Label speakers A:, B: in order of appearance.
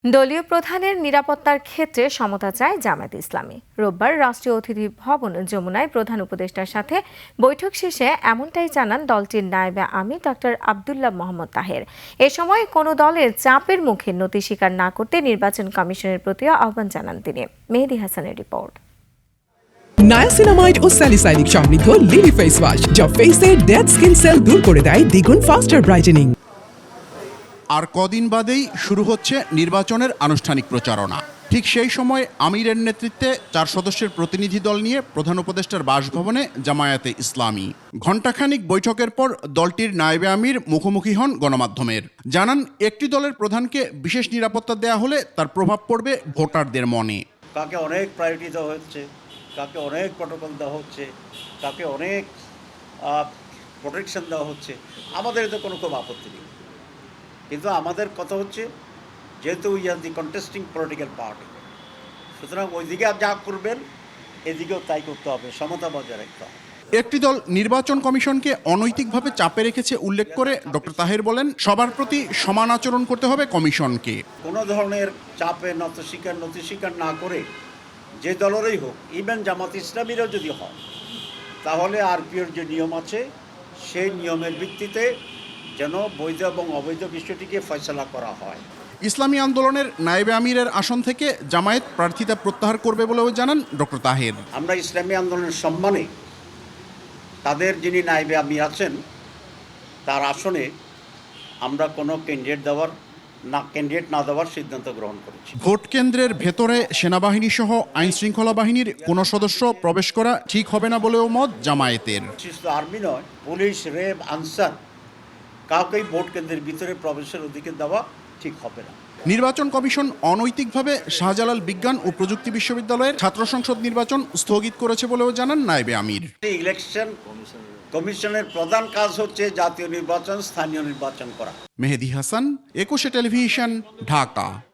A: দলীয় প্রধানের নিরাপত্তার ক্ষেত্রে সমতা চায় জামায়াতে ইসলামী। রোববার রাষ্ট্রীয় অতিথি ভবন যমুনায় প্রধান উপদেষ্টার সাথে বৈঠক শেষে এমনটাই জানান দলটির নায়েবে আমির ডক্টর আব্দুল্লাহ মোহাম্মদ তাহের। এ সময় কোনো দলের চাপের মুখে নতি স্বীকার না করতে নির্বাচন কমিশনের প্রতিও আহ্বান জানান তিনি। মেহেদী হাসানের রিপোর্ট।
B: নায়াসিনামাইড ও স্যালিসাইলিক সমৃদ্ধ লিলি ফেস ওয়াশ যা ফেসের ডেড স্কিন সেল দূর করে দেয় দ্বিগুণ ফাস্টার ব্রাইটেনিং।
C: আর কদিন বাদেই শুরু হচ্ছে নির্বাচনের আনুষ্ঠানিক প্রচারণা। ঠিক সেই সময় আমিরের নেতৃত্বে 4 সদস্যের প্রতিনিধি দল নিয়ে প্রধান উপদেষ্টার বাসভবনে জামায়াতে ইসলামী। ঘণ্টাখানিক বৈঠকের পর দলটির নায়েবে আমির মুখোমুখি হন গণমাধ্যমের। জানান, একটি দলের প্রধানকে বিশেষ নিরাপত্তা দেয়া হলে তার প্রভাব পড়বে ভোটারদের মনে।
D: কাকে অনেক প্রায়োরিটি দেওয়া হচ্ছে, কাকে অনেক প্রটোকল দেওয়া হচ্ছে, কাকে অনেক প্রোটেকশন দেওয়া হচ্ছে, আমাদের এতে কোনো খুব আপত্তি নেই। কিন্তু আমাদের কথা হচ্ছে, যেহেতু we are the contesting political party, সুতরাং ওইদিকে যা করবেন এদিকেও তাই করতে হবে, সমতা বজায় রাখতে হবে।
C: একটি দল নির্বাচন কমিশনকে অনৈতিকভাবে চাপে রেখেছে উল্লেখ করে ডক্টর তাহের বলেন, সবার প্রতি সমান আচরণ করতে হবে কমিশনকে।
D: কোনো ধরনের চাপে নতি স্বীকার না করে যে দলেরই হোক, ইভেন জামাত ইসলামীরও যদি হয়, তাহলে আরপিওর যে নিয়ম আছে সেই নিয়মের ভিত্তিতে যেন বৈধ এবং অবৈধ বিষয়টিকে ফয়সালা করা হয়।
C: ইসলামী আন্দোলনের নায়েবে আমিরের আসন থেকে জামায়াত প্রার্থিতা প্রত্যাহার করবে বলেও জানান ডক্টর তাহের।
D: আমরা ইসলামী আন্দোলনের সম্মানে তাদের যিনি নায়েবে আমির আছেন তার আসনে আমরা কোনো ক্যান্ডিডেট না দেওয়ার সিদ্ধান্ত গ্রহণ করেছি।
C: ভোট কেন্দ্রের ভেতরে সেনাবাহিনী সহ আইন শৃঙ্খলা বাহিনীর কোনো সদস্য প্রবেশ করা ঠিক হবে না বলেও মত জামায়াতের।
D: শুধু আর্মি নয়, পুলিশ, র্যাব, আনসার কাউকেই ভোট কেন্দ্রের ভিতরে প্রবেশের অধিকার দেওয়া ঠিক হবে না।
C: নির্বাচন কমিশন অনৈতিকভাবে শাহজালাল বিজ্ঞান ও প্রযুক্তি বিশ্ববিদ্যালয়ের ছাত্র সংসদ নির্বাচন স্থগিত করেছে বলেও জানান নায়েবে আমির।
D: ইলেকশন কমিশনের প্রধান কাজ হচ্ছে জাতীয় নির্বাচন, স্থানীয় নির্বাচন করা।
C: মেহেদী হাসান, 21 টেলিভিশন, ঢাকা।